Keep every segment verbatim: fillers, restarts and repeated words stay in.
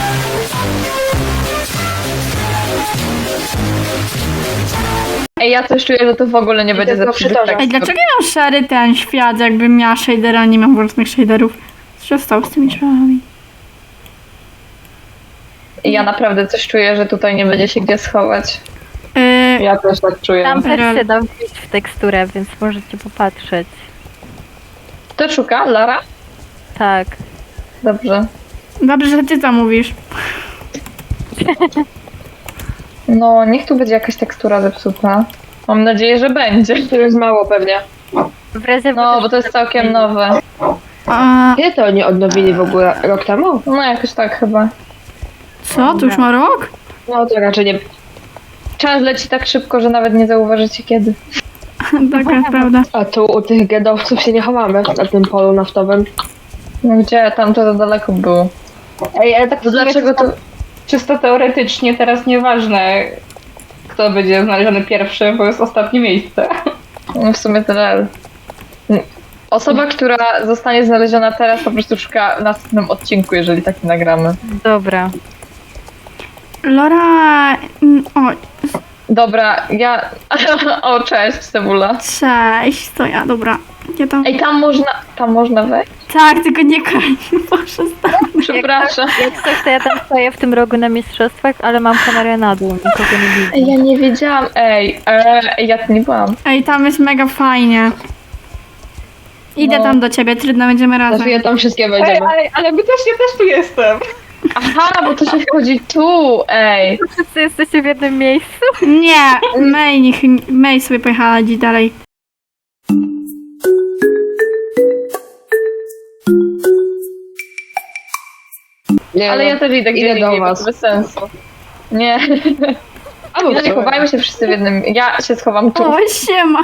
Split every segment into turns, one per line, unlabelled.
Ej, ja coś czuję, że to w ogóle nie będzie zepsuty tekst.
Ej, dlaczego ja mam szary ten świat, jakbym miała shadera, nie mam własnych shaderów? Co się stało z tymi drzwiami?
Ja naprawdę coś czuję, że tutaj nie będzie się gdzie schować.
Yy,
Ja też tak czuję.
Tam też
Rel.
się da wbić w teksturę, więc możecie popatrzeć.
Kto szuka? Lara?
Tak.
Dobrze.
dobrze, że ty to mówisz.
No, niech tu będzie jakaś tekstura zepsuta. Mam nadzieję, że będzie. To jest mało pewnie.
W razie
No, bo to jest całkiem nowe.
A,
Kiedy to oni odnowili w ogóle? Rok temu?
No, jakoś tak chyba.
co? To już ma rok?
No to raczej nie.
Czas leci tak szybko, że nawet nie zauważycie kiedy.
Taka jest prawda.
A tu u tych gedowców się nie chowamy na tym polu naftowym.
No gdzie? Tam to za daleko było.
Ej, ale tak
To dlaczego to...
Czysto teoretycznie teraz nieważne, kto będzie znaleziony pierwszy, bo jest ostatnie miejsce.
No w sumie tyle. Osoba, która zostanie znaleziona teraz, po prostu szuka w następnym odcinku, jeżeli taki nagramy.
Dobra.
Lora... mm, O,
Dobra, ja... O, cześć, Cebula.
cześć, to ja, dobra. Ja tam...
Ej, tam można... Tam można wejść?
Tak, tylko nie koń, proszę stać.
Przepraszam.
Jak coś, to ja tam stoję w tym rogu na mistrzostwach, ale mam kamerę na dół, nikogo nie widzę.
Ej, ja nie wiedziałam. Ej, ej, ja tu nie byłam.
Ej, tam jest mega fajnie. Idę
No.
tam do ciebie, trudno, będziemy razem.
Znaczy ja tam wszystkie
Ej,
wejdziemy.
ale, ale my też, ja też tu jestem.
Aha, bo to się wchodzi tu, ej.
Wszyscy jesteście w jednym miejscu?
Nie, May, niech, May sobie pojechała gdzieś dalej.
Nie,
Ale
no.
ja też idę gdzie
Idę do
indziej, bo
was.
to bez sensu. Nie,
Albo
nie chowajmy się wszyscy w jednym... Ja się schowam tu.
O, siema.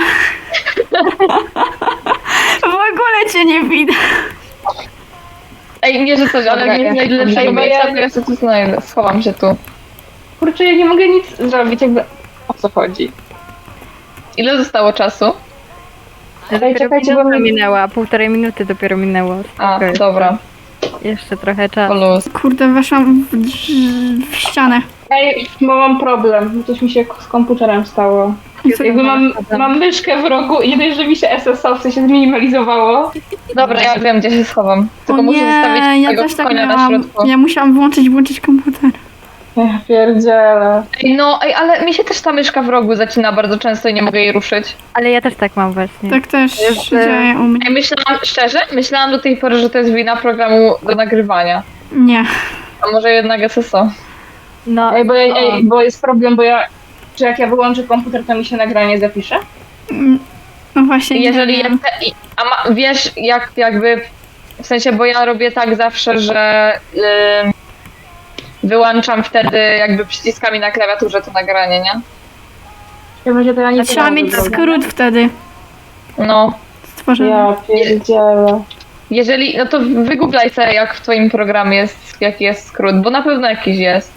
W ogóle cię nie widać.
Ej, nie, że coś, ale
Dobra,
nie
ja
znajdę
się
lepszego
tam
miejsca,
boję.
to ja się tu znajdę. Schowam się tu.
Kurczę, ja nie mogę nic zrobić, jakby... O co chodzi?
Ile zostało czasu?
Dopiero
czekajcie, bo
minuta
mnie-
minęła, półtorej minuty dopiero minęło.
A,
Spoko,
dobra.
Jeszcze trochę
Po
czasu.
luz.
Kurde, weszłam w, drz- w ścianę.
Ej, bo mam problem, coś mi się z komputerem stało. Jakby mam, mam myszkę w rogu i nie dość, że mi się S S O w sensie zminimalizowało.
Dobra, ja wiem, gdzie się schowam. Tylko
O
muszę zostawić
nie, ja
tego
też tak
konia na
miałam.
środku.
Ja musiałam włączyć, włączyć komputer.
Ja pierdzielę.
Ej, no, ej, ale mi się też ta myszka w rogu zacina bardzo często i nie mogę jej ruszyć.
Ale ja też tak mam właśnie.
Tak też
Jest,
się dzieje u mnie.
Ej, myślałam, szczerze, myślałam do tej pory, że to jest wina programu do nagrywania.
Nie.
A może jednak S S O.
No,
Ej, bo, ja, ej, bo jest problem, bo ja... Czy jak ja wyłączę komputer, to mi się nagranie zapisze?
Mm, No właśnie, nie
Jeżeli
wiem.
jak te, i- a ma, wiesz, jak jakby, w sensie, bo ja robię tak zawsze, że ym, wyłączam wtedy jakby przyciskami na klawiaturze to nagranie, nie?
Ja będzie to ja nie
Trzeba mieć skrót wtedy
No,
stworzony.
Ja pierdzielę.
jeżeli, no to wygooglaj sobie, jak w twoim programie jest, jaki jest skrót, bo na pewno jakiś jest.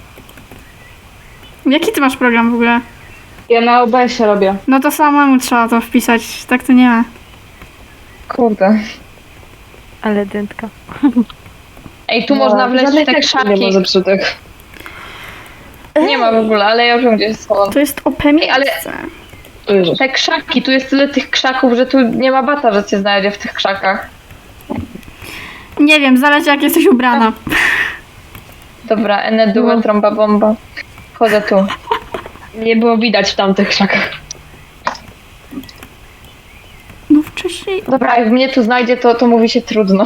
Jaki ty masz program w ogóle?
Ja na O B S-ie robię.
No to samemu trzeba to wpisać, tak to nie ma.
Kurde.
ale dętka.
Ej, tu
No,
można wleźć w
żadnych
te
tekstów
krzaki.
Nie ma zepsutych.
Nie ma w ogóle, ale ja wiem, gdzie jest schowam.
To jest O P miejsce.
ale-
O Jezus.
Te krzaki, tu jest tyle tych krzaków, że tu nie ma bata, że cię znajdzie w tych krzakach.
Nie wiem, zależy jak jesteś ubrana.
Dobra, ene due, trąba bomba. Wchodzę tu.
Nie było widać w tamtych krzakach.
No wcześniej...
Dobra, jak mnie tu znajdzie, to, to mówi się trudno.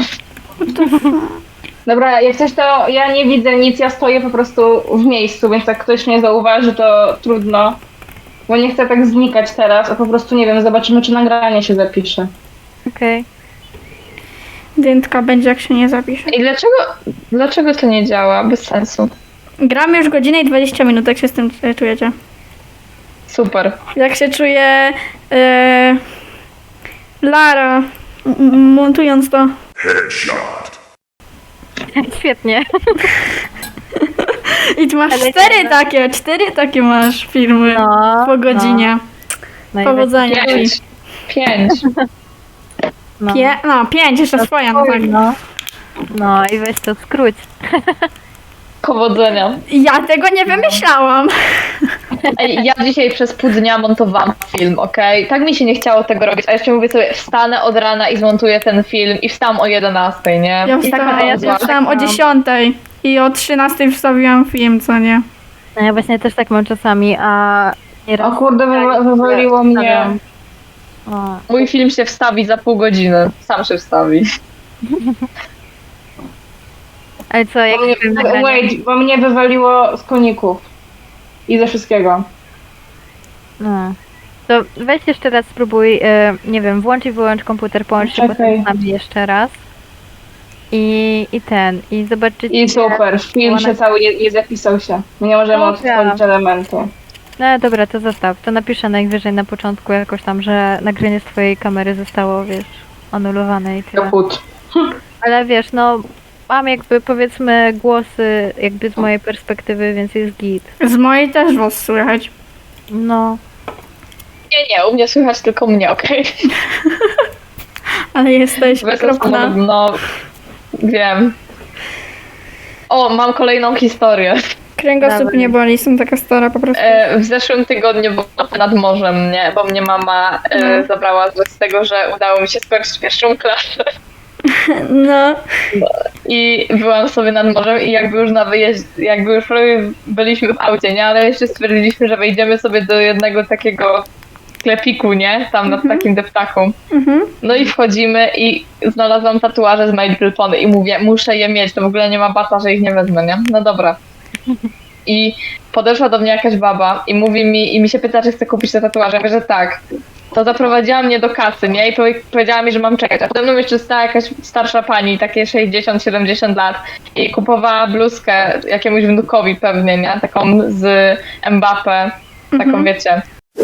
Dobra, jak coś to ja nie widzę nic, ja stoję po prostu w miejscu, więc jak ktoś mnie zauważy, to trudno. Bo nie chcę tak znikać teraz, a po prostu nie wiem, zobaczymy czy nagranie się zapisze.
Okej.
Dętka będzie jak się nie zapisze.
I dlaczego, dlaczego to nie działa? Bez sensu.
Gramy już godzinę i dwadzieścia minut, jak się z tym e, czujecie?
Super.
Jak się czuje e, Lara m- m- montując to?
Świetnie.
I tu masz
Ale
cztery
to-
takie, cztery takie masz filmy
No,
po godzinie.
no.
Powodzenia ci.
Pięć. Pięć.
No.
Pie- no, pięć, jeszcze swoja, no tak.
No. No i weź to skróć.
Powodzenia.
Ja tego nie wymyślałam.
Ej, ja dzisiaj przez pół dnia montowałam film, okej? Tak mi się nie chciało tego robić, a jeszcze mówię sobie, wstanę od rana i zmontuję ten film i wstałam o jedenastej, nie?
Ja
I taka
wstałam,
nazwa.
ja wstałam o dziesiątej i o trzynastej wstawiłam film, co nie?
No ja właśnie też tak mam czasami, a nieraz...
O kurde, wy- wywaliło mnie.
Stawiam. O,
Mój film się wstawi za pół godziny. Sam się wstawi.
ale co, jak
Bo mnie,
film nagrania?
wait, bo mnie wywaliło z koników. I ze wszystkiego.
No. To weź jeszcze raz spróbuj, e, nie wiem, włącz i wyłącz komputer, połącz się
Czekaj.
potem z nami jeszcze raz. I, I ten, i zobaczycie...
I super, film się cały nie, nie zapisał się. Nie możemy
Dobra.
odtworzyć elementu.
No dobra, to zostaw. To napiszę najwyżej na początku jakoś tam, że nagranie z twojej kamery zostało, wiesz, anulowane i tyle.
Kaput.
Ale wiesz, no, mam jakby powiedzmy głosy jakby z mojej perspektywy, więc jest git.
Z mojej też was słychać.
No,
Nie, nie, u mnie słychać tylko mnie, okej?
Ale jesteś
Bez
okropna.
rozmowy, no, wiem. O, mam kolejną historię.
Kręgosłup
Dawaj.
nie boli, jestem taka stara po prostu.
E, w zeszłym tygodniu byłam nad morzem, nie? Bo mnie mama e,
No.
zabrała z tego, że udało mi się skończyć pierwszą klasę.
No,
I byłam sobie nad morzem i jakby już na wyjeździe, jakby już prawie byliśmy w aucie, nie? Ale jeszcze stwierdziliśmy, że wejdziemy sobie do jednego takiego sklepiku, nie? Tam nad takim deptaką.
mhm.
No i wchodzimy i znalazłam tatuaże z My Little Pony i mówię, muszę je mieć, to w ogóle nie ma bata, że ich nie wezmę, nie? No dobra. I podeszła do mnie jakaś baba i mówi mi, i mi się pyta, czy chcę kupić te tatuaże. Ja mówię, że tak. To zaprowadziła mnie do kasy, nie? I powie- powiedziała mi, że mam czekać. A potem mną jeszcze stała jakaś starsza pani, takie sześćdziesiąt siedemdziesiąt lat i kupowała bluzkę jakiemuś wnukowi pewnie, nie? Taką z Mbappé, taką
Mhm.
wiecie.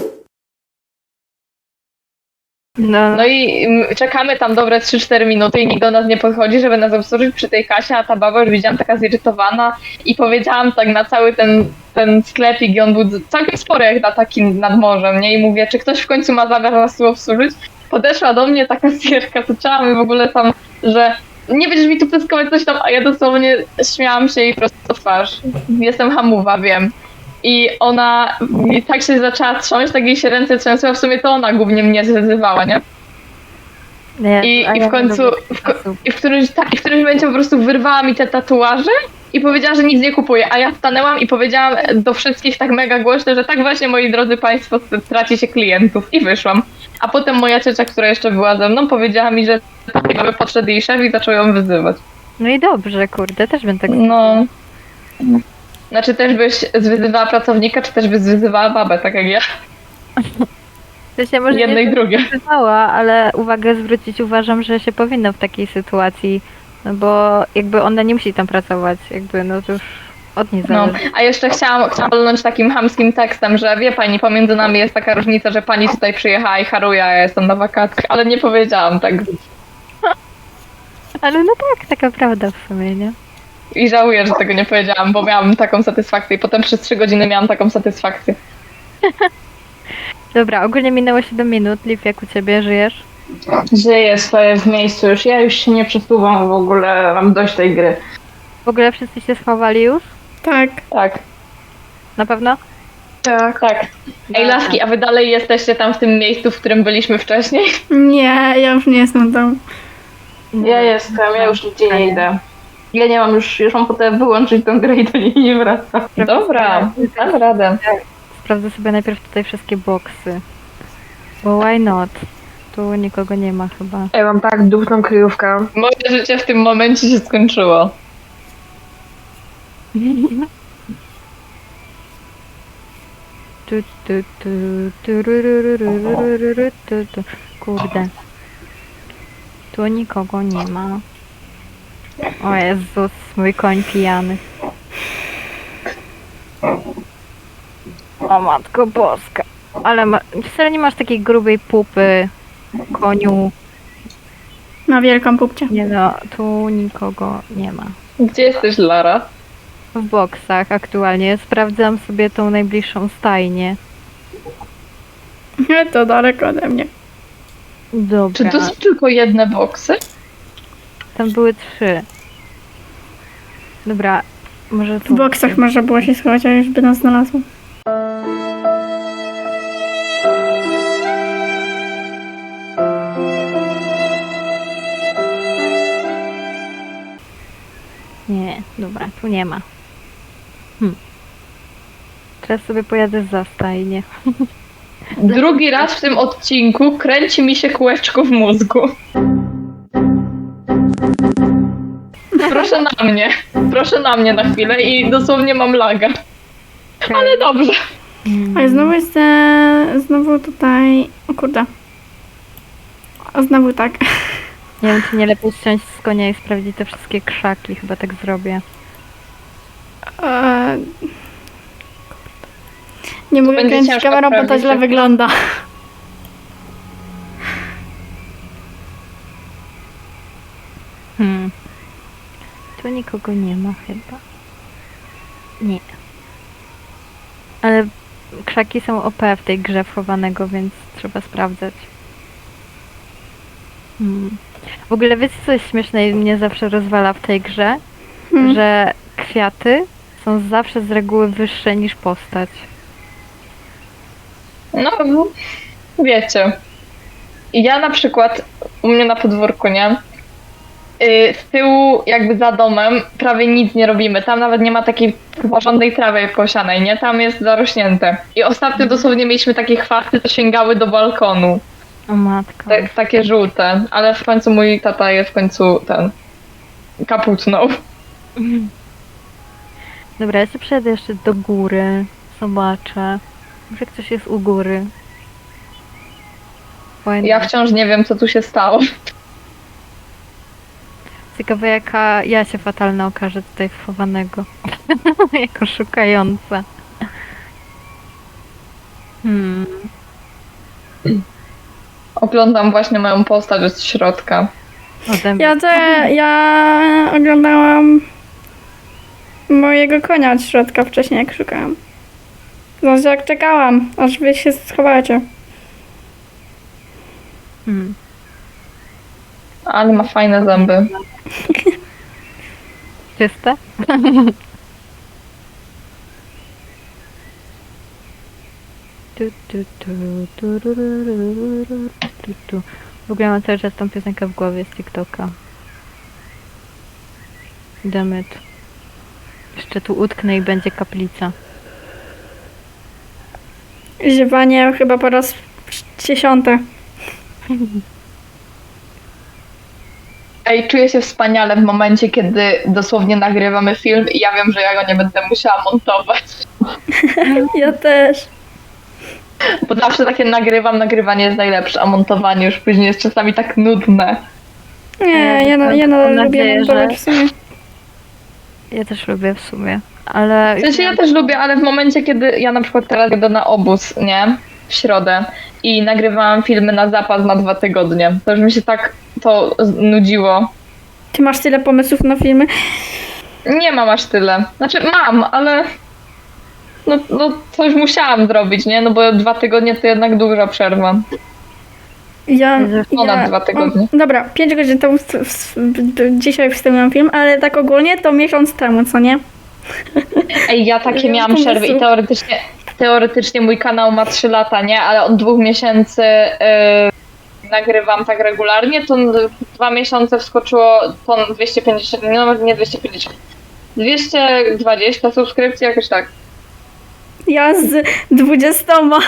no,
No i mm, czekamy tam dobre trzy cztery minuty i nikt do nas nie podchodzi, żeby nas obsłużyć przy tej kasie, a ta baba już widziałam taka zirytowana i powiedziałam tak na cały ten, ten sklepik i on był całkiem spory jak na takim nad morzem, nie? I mówię, czy ktoś w końcu ma zamiar nas tu obsłużyć? Podeszła do mnie taka sierka, zaczęła mi w ogóle tam, że nie będziesz mi tu pyskować coś tam, a ja dosłownie śmiałam się i prosto w twarz. Jestem hamuwa, wiem. I ona i tak się zaczęła trząść, tak jej się ręce trzęsły, a w sumie to ona głównie mnie zwyzywała, nie?
nie,
I,
a
i
ja
w końcu,
nie lubię
w, ko-
osób.
i w, którymś, tak, i w którymś momencie po prostu wyrwała mi te tatuaże i powiedziała, że nic nie kupuje, a ja stanęłam i powiedziałam do wszystkich tak mega głośno, że tak właśnie, moi drodzy państwo, traci się klientów i wyszłam. A potem moja ciocia, która jeszcze była ze mną, powiedziała mi, że tak podszedł jej szef i zaczął ją wyzywać.
No i dobrze, kurde, też bym tak
No. Znaczy też byś zwyzywała pracownika, czy też byś zwyzywała babę, tak jak ja?
To się może
Jedno i
nie
drugie.
zdecydowała, ale uwagę zwrócić uważam, że się powinno w takiej sytuacji, no bo jakby ona nie musi tam pracować, jakby no to już od niej
No,
zależy.
a jeszcze chciałam, chciałam walnąć takim chamskim tekstem, że wie pani, pomiędzy nami jest taka różnica, że pani tutaj przyjechała i haruje, a ja jestem na wakacjach, ale nie powiedziałam tak.
Ale no tak, taka prawda w sumie, nie?
I żałuję, że tego nie powiedziałam, bo miałam taką satysfakcję i potem przez trzy godziny miałam taką satysfakcję.
Dobra, ogólnie minęło siedem minut. Liv, jak u ciebie żyjesz?
Żyję, stoję w miejscu już. Ja już się nie przesuwam w ogóle, mam dość tej gry.
W ogóle wszyscy się schowali już?
tak.
Tak,
Na pewno?
tak, tak. Ej, laski, a wy dalej jesteście tam w tym miejscu, w którym byliśmy wcześniej?
Nie, ja już nie jestem tam.
Ja jestem, ja już nigdzie nie idę. Ja nie mam już, już mam potem wyłączyć tę grę i do niej nie wracam.
Dobra, dam radę.
Sprawdzę sobie najpierw tutaj wszystkie boksy. Bo why not? Tu nikogo nie ma chyba.
Ja mam tak dupną kryjówkę.
Moje życie w tym momencie się skończyło.
Tu, tu, tu, tu, ru, ru, ru, ru, ru, ru, ru, tu, tu. Kurde. Tu nikogo nie ma. O Jezus, mój koń pijany. O matko boska. Ale ma... wcale nie masz takiej grubej pupy, koniu.
Na wielką pupcie.
Nie no, tu nikogo nie ma.
Gdzie jesteś, Lara?
W boksach aktualnie. Sprawdzam sobie tą najbliższą stajnię.
To daleko ode mnie.
Dobra.
Czy to są tylko jedne boksy?
Tam były trzy. Dobra. Może
W
tu.
boksach można było się schować, a już by nas znalazło.
Nie, dobra, tu nie ma. Hm. Teraz sobie pojadę za stajnię.
Drugi raz w tym odcinku kręci mi się kółeczko w mózgu. Proszę na mnie. Proszę na mnie na chwilę i dosłownie mam laga. Ale dobrze.
Mm.
A i znowu jest, e, znowu tutaj, o kurde. A znowu tak.
Nie wiem, czy nie lepiej ściąć z konia i sprawdzić te wszystkie krzaki. Chyba tak zrobię.
E, nie mogę
będzie
kręcić
ciężko
kamerą, bo to
sprawdzić,
źle
jak-
wygląda.
Hmm. Tu nikogo nie ma chyba. Nie. Ale krzaki są O P w tej grze wchowanego, więc trzeba sprawdzać. Hmm. W ogóle wiecie coś śmieszne i mnie zawsze rozwala w tej grze?
Hmm.
Że kwiaty są zawsze z reguły wyższe niż postać.
No, wiecie. Ja na przykład u mnie na podwórku, nie? Yy, z tyłu, jakby za domem, prawie nic nie robimy. Tam nawet nie ma takiej porządnej trawy posianej, nie? Tam jest zarośnięte. I ostatnio dosłownie mieliśmy takie chwasty, co sięgały do balkonu.
O matko.
Te, takie żółte. Ale w końcu mój tata je w końcu ten kaputnął.
Dobra, ja sobie przejdę jeszcze do góry. Zobaczę. Może ktoś jest u góry. Fajne.
Ja wciąż nie wiem, co tu się stało.
Ciekawe jaka ja się fatalna okaże tutaj wchowanego. Jako szukająca. Hmm.
Oglądam właśnie moją postać z środka.
Ode mnie.
Ja, te, ja oglądałam mojego konia od środka wcześniej, jak szukałam. Znaczy, jak czekałam, aż wy się schowacie.
Hmm.
Ale ma fajne zęby.
Czyste? Tu, tu, tu, tu, ru, ru, ru, ru, ru, tu, tu. W ogóle mam cały czas tą piosenkę w głowie z TikToka. Dammit. Jeszcze tu utknę i będzie kaplica.
Ziewanie chyba po raz dziesiąty.
Ej, czuję się wspaniale w momencie, kiedy dosłownie nagrywamy film i ja wiem, że ja go nie będę musiała montować.
Ja też.
Bo zawsze takie nagrywam, nagrywanie jest najlepsze, a montowanie już później jest czasami tak nudne.
Nie, ja, na, ja
Mam
nadal
nadzieję,
lubię montować
że-
w sumie.
Ja też lubię w sumie, ale...
W sensie ja też lubię, ale w momencie, kiedy ja na przykład teraz jadę na obóz, nie? W środę i nagrywałam filmy na zapas na dwa tygodnie. To już mi się tak to z- nudziło.
Ty masz tyle pomysłów na filmy?
Nie mam aż tyle. Znaczy mam, ale no, no coś musiałam zrobić, nie? No bo dwa tygodnie to jednak duża przerwa.
Ja,
Ponad
ja
dwa tygodnie.
O, dobra, pięć godzin temu w, w, w, dzisiaj wstawiłam film, ale tak ogólnie to miesiąc temu, co nie?
Ej, ja takie
Ja
miałam
mam
przerwy i
pomysł.
teoretycznie, teoretycznie mój kanał ma trzy lata, nie? Ale od dwóch miesięcy yy, nagrywam tak regularnie, to w dwa miesiące wskoczyło ton dwieście pięćdziesiąt, nie, nawet nie dwieście pięćdziesiąt, dwieście dwadzieścia subskrypcji, jakoś tak.
Ja z dwudziestoma.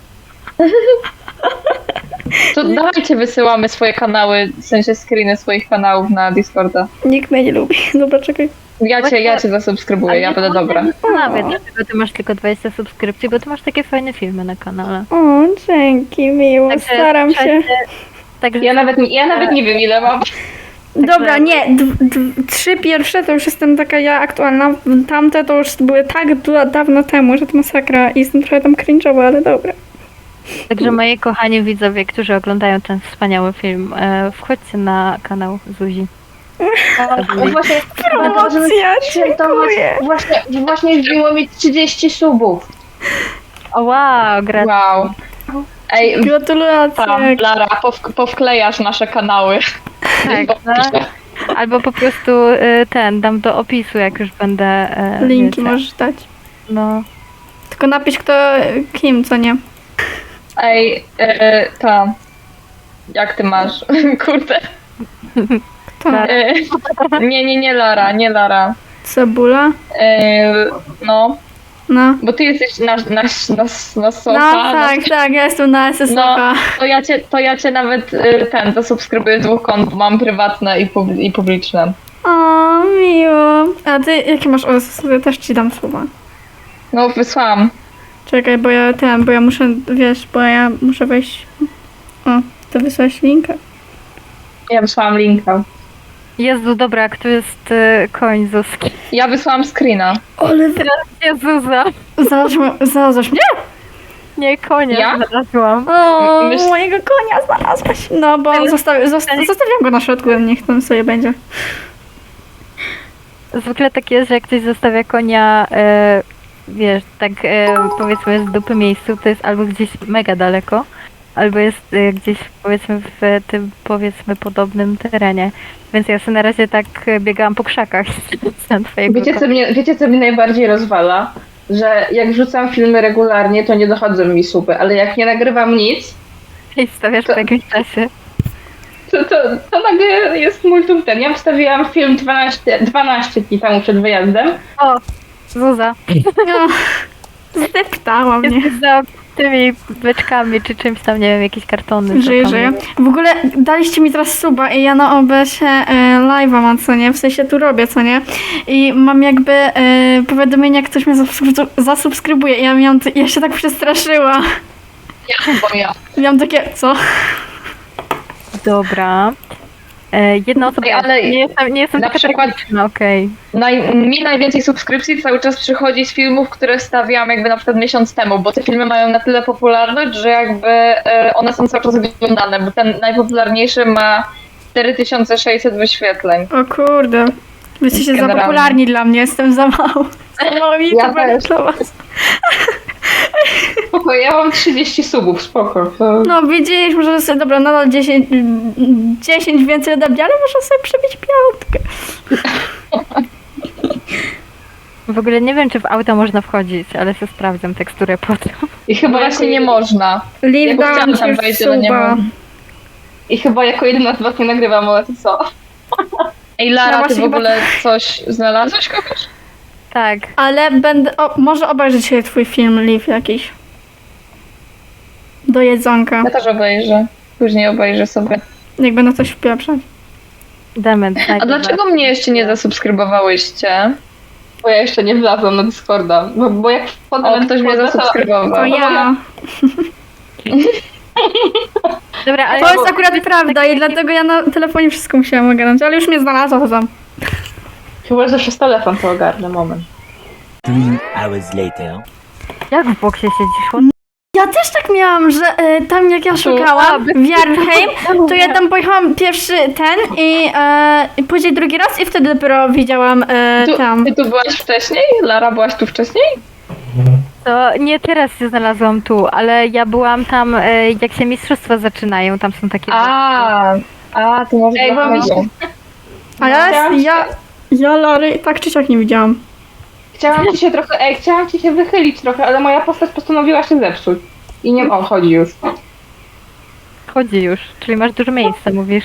To dawajcie wysyłamy swoje kanały, w sensie screeny swoich kanałów na Discorda.
Nikt mnie nie lubi. Dobra, czekaj.
Ja cię, ja cię zasubskrybuję, ja będę dobra.
Nawet dlaczego ty masz tylko dwadzieścia subskrypcji, bo ty masz takie fajne filmy na kanale.
O, dzięki, miło,
Także
staram się.
słuchajcie, Także
Ja nawet, ja nawet nie wiem ile mam.
Dobra, nie, d- d- trzy pierwsze to już jestem taka ja aktualna, tamte to już były tak du- dawno temu, że to masakra i jestem trochę tam cringe'owa, ale dobra.
Także moi kochani widzowie, którzy oglądają ten wspaniały film, e, wchodźcie na kanał Zuzi.
Właśnie,
Promocja, dziękuję.
właśnie, właśnie wbiło mi trzydzieści subów.
O wow, gra...
Wow. Ej,
Gratulacje.
tam, Lara, pow- powklejasz nasze kanały.
Tak, no. Albo po prostu y, ten, dam do opisu, jak już będę... Y,
Linki
wiecie.
możesz dać.
No.
Tylko napisz kto kim, co nie.
Ej, e, ta. Jak ty masz? Kurde.
Kto?
Tak.
E, nie, nie, nie Lara, nie Lara.
Cebula?
E, no,
No.
bo ty jesteś na, na, na, na sofa.
No tak, tak, ja jestem na S S
No,
O.
to ja cię, to ja cię nawet e, ten, zasubskrybuję z dwóch kont, bo mam prywatne i, pub, i publiczne.
O, miło. A ty, jakie masz O S S? Ja też ci dam słowa.
No, wysłałam.
Czekaj, bo ja ten, bo ja muszę, wiesz, bo ja muszę wejść. O, to wysłałeś linka.
Ja wysłałam linka.
Jezu, dobra, jak tu jest y, koń Zuzki.
Ja wysłałam screena.
Ale
Jezuza.
znalazłam, znalazłaś mnie?
Nie, konia
Ja?
znalazłam.
O,
Myśl-
mojego konia znalazłaś. No, bo on zostawi, zosta, zostawiam go na środku, niech tam sobie będzie.
Zwykle tak jest, że jak ktoś zostawia konia, e, wiesz, tak e, powiedzmy z dupy miejscu, to jest albo gdzieś mega daleko, albo jest e, gdzieś powiedzmy w tym powiedzmy podobnym terenie. Więc ja sobie na razie tak e, biegałam po krzakach z twojego
Wiecie co, mnie, wiecie, co mnie najbardziej rozwala? Że jak wrzucam filmy regularnie, to nie dochodzą mi słupy, ale jak nie nagrywam nic,
i stawiasz po jakimś czasie.
to, to, to nagle jest multum ten. Ja wstawiłam film dwanaście, dwanaście dni temu przed wyjazdem.
O, Zuza,
No, zdeptała mnie.
jesteś za tymi beczkami czy czymś tam, nie wiem, jakieś kartony. co
Żyję,
tam
żyję.
jest.
W ogóle daliście mi teraz suba i ja na O B S-ie e, live'a mam, co nie? W sensie tu robię, co nie? I mam jakby e, powiadomienie, jak ktoś mnie zasubskrybu- zasubskrybuje i ja miałam, t- ja się tak przestraszyła.
Ja, bo ja.
Miałam takie, co?
Dobra. E, jedna osoba,
Ej, ale
nie jestem, nie jestem
na
taka
przykład-
tragiczna, okej.
Naj, mi najwięcej subskrypcji cały czas przychodzi z filmów, które wstawiałam jakby na przykład miesiąc temu, bo te filmy mają na tyle popularność, że jakby e, one są cały czas oglądane, bo ten najpopularniejszy ma cztery tysiące sześćset wyświetleń.
O kurde. Wy jesteście za
Generalnie.
popularni dla mnie, jestem za mało. Za mało mi
Ja
to
też.
dla was.
Spoko, ja mam trzydzieści subów, spoko. To...
No widzisz, może sobie, dobra, nadal dziesięć, dziesięć więcej ode mnie, ale muszę sobie przebić piątkę.
W ogóle nie wiem, czy w auto można wchodzić, ale sobie sprawdzam teksturę potem.
I chyba
Bo
jako
właśnie nie
jedy-
można.
Liv,
Ja
dałam
chciałam
ci
tam
już
wejść, ale nie
suba.
mogę.
I chyba jako jedyna z was nie nagrywam, ale to co?
Ej,
No
Lara, ty
właśnie
w
chyba-
ogóle coś znalazłeś kogoś?
Tak,
Ale będę, o, może obejrzeć sobie twój film, Liv, jakiś. Do jedzonka,
Ja też obejrzę. Później obejrzę sobie.
jak będę coś wpieprzać.
dement.
A dlaczego mnie jeszcze nie zasubskrybowałyście?
Bo ja jeszcze nie wlazłam na Discorda. Bo, bo jak wchodzę
O,
na
ktoś mnie
Discorda, to-
zasubskrybował.
To ja.
Dobra, ale
To jest akurat prawda i dlatego ja na telefonie wszystko musiałam ogarnąć, ale już mnie znalazła to tam.
Chyba, że przez telefon to ogarnę, moment.
Three hours later.
jak w boksie siedzisz?
Ja też tak miałam, że e, tam jak ja szukałam w Jarheim, to ja tam pojechałam pierwszy ten i, e, i później drugi raz i wtedy dopiero widziałam e,
Tu,
tam.
ty tu byłaś wcześniej? Lara, byłaś tu wcześniej?
To nie teraz się znalazłam tu, ale ja byłam tam, e, jak się mistrzostwa zaczynają, tam są takie...
A, a, to może
Ej, bo mi się-
A ja,
Chciałam
ja, ja Lary tak czy siak nie widziałam.
Chciałam ci się trochę, ej, chciałam ci się wychylić trochę, ale moja postać postanowiła się zepsuć. I nie, o, chodzi już.
Chodzi już, czyli masz dużo miejsca, mówisz.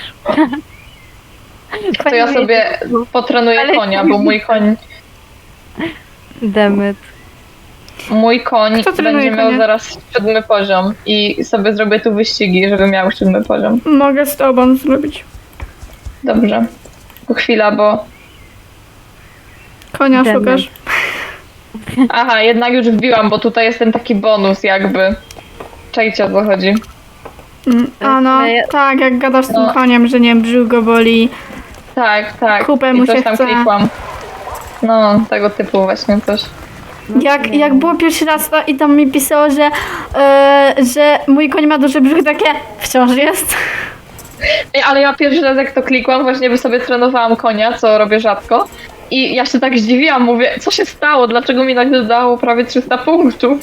to ja sobie potrenuję
Ale-
konia, bo mój koń,
Demet.
mój koń
Kto trenuje
będzie miał
konia?
zaraz siódmy poziom i sobie zrobię tu wyścigi, żeby miał siódmy poziom.
Mogę z tobą zrobić.
Dobrze. To chwila, bo...
Konia
Demy.
szukasz.
Aha, jednak już wbiłam, bo tutaj jest ten taki bonus jakby. Czajcie, o co chodzi.
Mm, A no,
Ale ja-
tak, jak gadasz z tym
No.
koniem, że nie wiem, brzuch go boli.
Tak, tak.
Kupę
I
mu
coś
się
tam
chce.
klikłam. No, tego typu właśnie coś.
Jak, jak było pierwszy raz to, i tam mi pisało, że, e, że mój koń ma duży brzuch, takie wciąż jest.
Ej, ale ja pierwszy raz jak to klikłam, właśnie by sobie trenowałam konia, co robię rzadko. I ja się tak zdziwiłam, mówię, co się stało? Dlaczego mi nagle dało prawie trzysta punktów?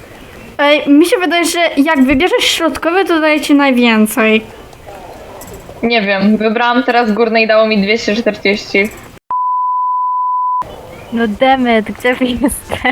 Ej, mi się wydaje, że jak wybierzesz środkowy, to daje ci najwięcej.
Nie wiem, wybrałam teraz górne i dało mi dwieście czterdzieści.
No demet, gdzie wy jesteście?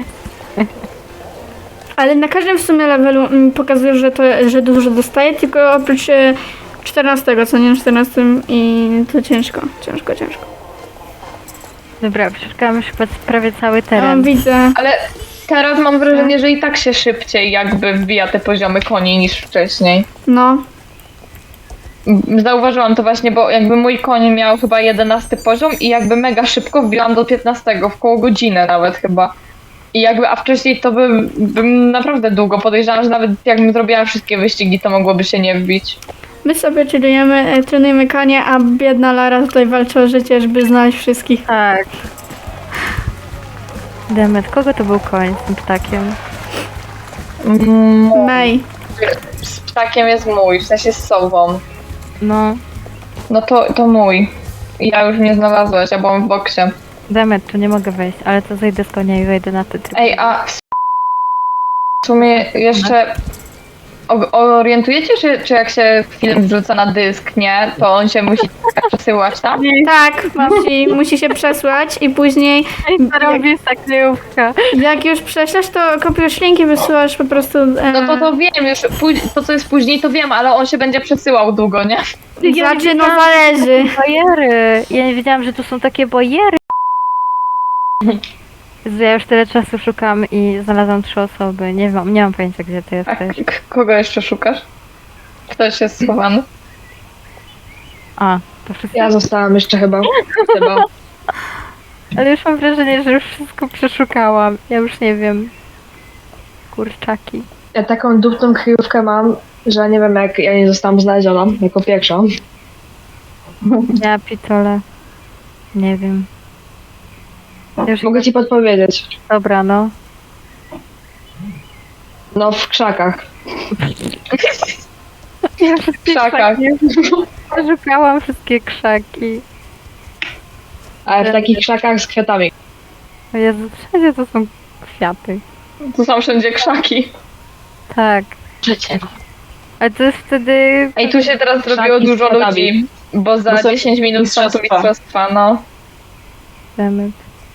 Ale na każdym w sumie levelu mm, pokazuje, że to, że dużo dostaje, tylko oprócz e, czternastego, co nie, czternastym i to ciężko, ciężko, ciężko.
Dobra, przeszukałam już chyba prawie cały
A,
teren.
widzę.
Ale teraz mam wrażenie, że i tak się szybciej jakby wbija te poziomy koni niż wcześniej.
No.
Zauważyłam to właśnie, bo jakby mój koń miał chyba jedenasty poziom i jakby mega szybko wbiłam do piętnastego, w koło godziny nawet chyba. I jakby, a wcześniej to bym, bym naprawdę długo podejrzewam, że nawet jakbym zrobiła wszystkie wyścigi, to mogłoby się nie wbić.
My sobie chillujemy, e, trenujemy konie, a biedna Lara tutaj walczy o życie, żeby znaleźć wszystkich.
Tak. Demet, kogo to był koń z tym ptakiem?
Mm,
May.
z ptakiem jest mój, w sensie z sową.
No,
No to, to mój. Ja już mnie znalazłaś, ja byłam w boksie.
Demet, tu nie mogę wejść, ale to zejdę z konia i wejdę na te tryb.
Ej, a w sumie jeszcze o- orientujecie się, czy jak się film wrzuca na dysk, nie, to on się musi przesyłać tam?
Tak, musi, musi się przesłać i później
To robisz tak kryjówka.
jak już prześlesz, to kopiujesz linki, wysyłasz po prostu... E,
No to to wiem już, póź- to co jest później to wiem, ale on się będzie przesyłał długo, nie?
Znaczy, no zależy.
Bojery! Ja nie wiedziałam, że tu są takie bojery. Jezu, ja już tyle czasu szukam i znalazłam trzy osoby. Nie mam, nie mam pojęcia, gdzie ty
A
jesteś.
k- kogo jeszcze szukasz? Ktoś jest schowany.
A, to wszystko.
Ja zostałam jeszcze chyba. chyba.
Ale już mam wrażenie, że już wszystko przeszukałam. Ja już nie wiem. Kurczaki.
Ja taką dupną kryjówkę mam, że nie wiem jak ja nie zostałam znaleziona jako pierwsza.
Ja pitole. Nie wiem. Już
Mogę ci podpowiedzieć.
dobra, no.
No w krzakach.
Ja wszystkie
krzakach.
krzaki. Przeszukałam wszystkie krzaki.
Ale w takich krzakach z kwiatami.
O Jezu, wszędzie to są kwiaty.
Tu są wszędzie krzaki.
Tak.
Życie.
Ale to jest wtedy...
Ej, tu się teraz zrobiło
Krzaki z
dużo
kwiatami.
ludzi, bo za
Bo są
dziesięć minut są tu
mistrzostwa.
mistrzostwa, no.
Demet.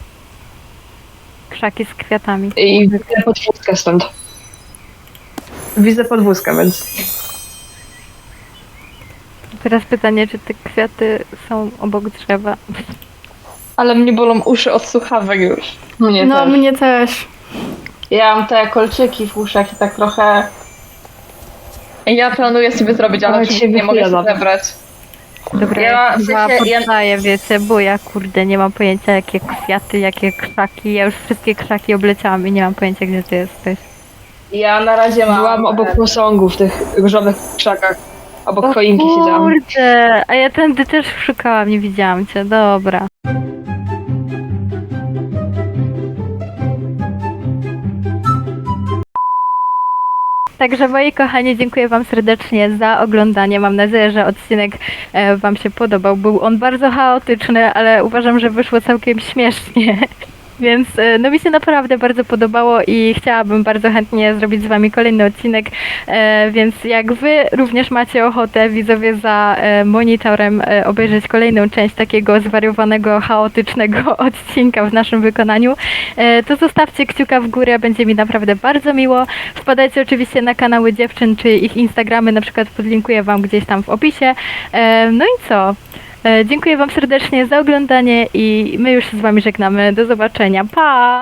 Krzaki z kwiatami.
I widzę podwózkę stąd. Widzę podwózkę, więc...
Teraz pytanie, czy te kwiaty są obok drzewa?
Ale mnie bolą uszy od słuchawek już.
Mnie
No,
też.
mnie też.
Ja mam te kolczyki w uszach i tak trochę...
Ja planuję sobie zrobić, ale
Ale
oczywiście
cię
nie mogę się
wychujadam.
zebrać.
Dobra,
Ja-
ja
w
chyba
sensie, ja-
poddaję, wiecie, bo ja kurde nie mam pojęcia jakie kwiaty, jakie krzaki. Ja już wszystkie krzaki obleciałam i nie mam pojęcia gdzie ty jesteś.
Ja na razie mam...
Byłam obok posągu w tych różowych krzakach. Obok choinki siedziałam.
Kurde, a ja tędy też szukałam, nie widziałam cię, dobra. Także moi kochani, dziękuję wam serdecznie za oglądanie. Mam nadzieję, że odcinek e, wam się podobał. Był on bardzo chaotyczny, ale uważam, że wyszło całkiem śmiesznie. Więc e, no mi się naprawdę bardzo podobało i chciałabym bardzo chętnie zrobić z wami kolejny odcinek, e, więc jak wy również macie ochotę, widzowie, za e, monitorem e, obejrzeć kolejną część takiego zwariowanego, chaotycznego odcinka w naszym wykonaniu, e, to zostawcie kciuka w górę, będzie mi naprawdę bardzo miło. Wpadajcie oczywiście na kanały dziewczyn, czy ich Instagramy, na przykład podlinkuję wam gdzieś tam w opisie. E, no i co? E, Dziękuję wam serdecznie za oglądanie i my już się z wami żegnamy. Do zobaczenia. Pa!